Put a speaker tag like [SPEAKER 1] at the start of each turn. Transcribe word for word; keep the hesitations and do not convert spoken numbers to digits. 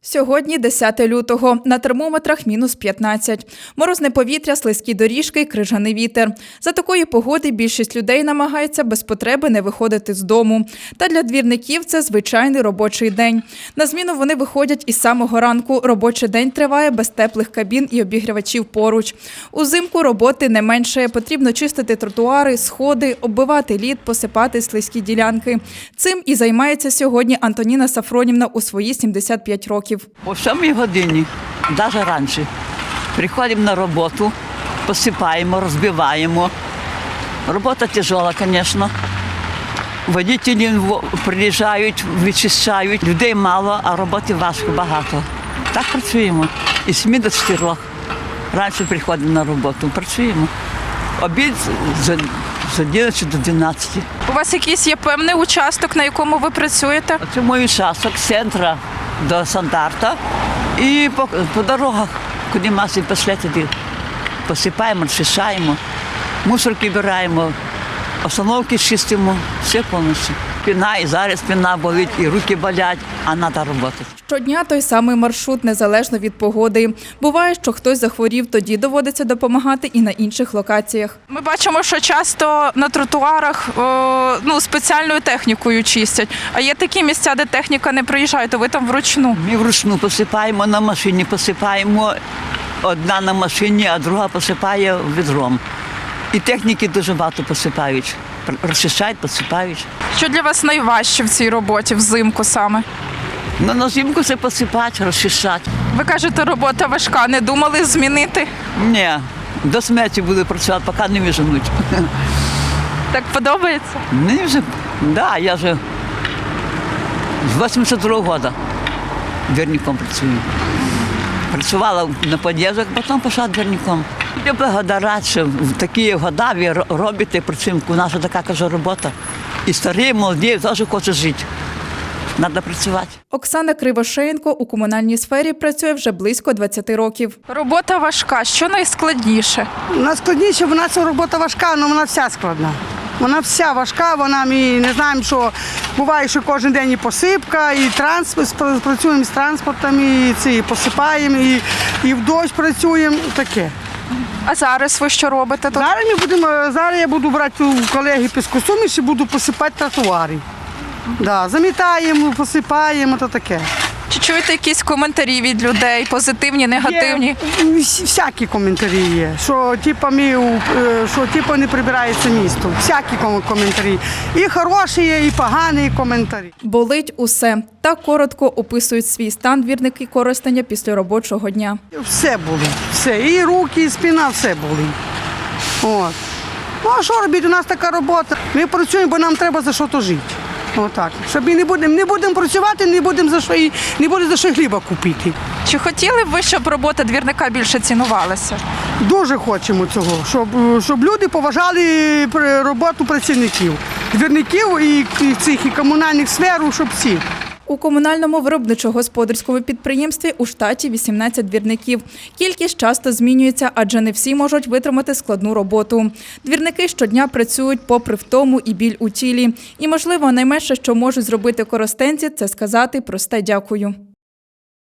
[SPEAKER 1] Сьогодні десяте лютого. На термометрах мінус п'ятнадцять. Морозне повітря, слизькі доріжки, крижаний вітер. За такої погоди більшість людей намагається без потреби не виходити з дому. Та для двірників це звичайний робочий день. На зміну вони виходять із самого ранку. Робочий день триває без теплих кабін і обігрівачів поруч. Узимку роботи не менше. Потрібно чистити тротуари, сходи, оббивати лід, посипати слизькі ділянки. Цим і займається сьогодні Антоніна Сафронівна у свої сімдесят п'ять років.
[SPEAKER 2] О сьомій годині, навіть раніше, приходимо на роботу, посипаємо, розбиваємо. Робота тяжела, звісно. Водителі приїжджають, вичищають. Людей мало, а роботи важко, багато. Так працюємо. І з семи до чотирьох. Раніше приходимо на роботу, працюємо. Обід з одинадцяти до дванадцяти.
[SPEAKER 1] У вас якийсь є певний участок, на якому ви працюєте?
[SPEAKER 2] Це мій участок з центру до стандарта. І по, по дорогах, куди маси пішли, туди посипаємо, розчищаємо, мусорки збираємо, остановки чистимо, все повністю. Спина, і зараз спина болить, і руки болять, а треба працювати.
[SPEAKER 1] Щодня той самий маршрут, незалежно від погоди. Буває, що хтось захворів, тоді доводиться допомагати і на інших локаціях. Ми бачимо, що часто на тротуарах о, ну, спеціальною технікою чистять. А є такі місця, де техніка не приїжджає, то ви там вручну?
[SPEAKER 2] Ми вручну посипаємо, на машині посипаємо. Одна на машині, а друга посипає відром. І техніки дуже багато посипають. Розчищають, посипають.
[SPEAKER 1] Що для вас найважче в цій роботі, взимку саме?
[SPEAKER 2] Ну, на зимку це посипати, розчищати.
[SPEAKER 1] Ви кажете, робота важка. Не думали змінити?
[SPEAKER 2] Ні, до смерті буду працювати, поки не виженуть.
[SPEAKER 1] Так подобається?
[SPEAKER 2] Мені вже, да, я вже з вісімдесят другого року двірником працюю. Працювала на під'їздах, потім пішла двірником. Я благодарю, що в такі роки ви робите, працюємо. У нас така, кажу, робота. І старі, молоді теж хочуть жити. Треба працювати.
[SPEAKER 1] Оксана Кривошеєнко у комунальній сфері працює вже близько двадцяти років. Робота важка. Що найскладніше?
[SPEAKER 3] Найскладніше, вона ця робота важка, але вона вся складна. Вона вся важка, вона, ми не знаємо, що буває, що кожен день і посипка, і транспорт, працюємо з транспортом, і, ці, і посипаємо, і, і в дощ працюємо, таке.
[SPEAKER 1] А зараз ви що робите тут?
[SPEAKER 3] Зараз, ми будемо, зараз я буду брати у колеги піскосуміш і буду посипати тротуари. Да, замітаємо, посипаємо, то таке.
[SPEAKER 1] Чи чуєте якісь коментарі від людей, позитивні, негативні?
[SPEAKER 3] Є, всякі коментарі є, що типу, ми, що типу, не прибирається місто. Всякі коментарі. І хороші є, і погані коментарі.
[SPEAKER 1] Болить усе. Так коротко описують свій стан двірники Коростеня після робочого дня.
[SPEAKER 3] Все болить, все. І руки, і спина, все болить. От. Ну а що робити? У нас така робота. Ми працюємо, бо нам треба за що-то жити. Отак. Щоб ми не будемо не будемо працювати, не будемо за що і не буде за що хліба купити.
[SPEAKER 1] Чи хотіли б ви, щоб робота двірника більше цінувалася?
[SPEAKER 3] Дуже хочемо цього, щоб, щоб люди поважали роботу працівників, двірників і, і цих і комунальних сфер, щоб всі.
[SPEAKER 1] У комунальному виробничо-господарському підприємстві у штаті вісімнадцять двірників. Кількість часто змінюється, адже не всі можуть витримати складну роботу. Двірники щодня працюють попри втому і біль у тілі. І, можливо, найменше, що можуть зробити коростенці, це сказати просте «дякую».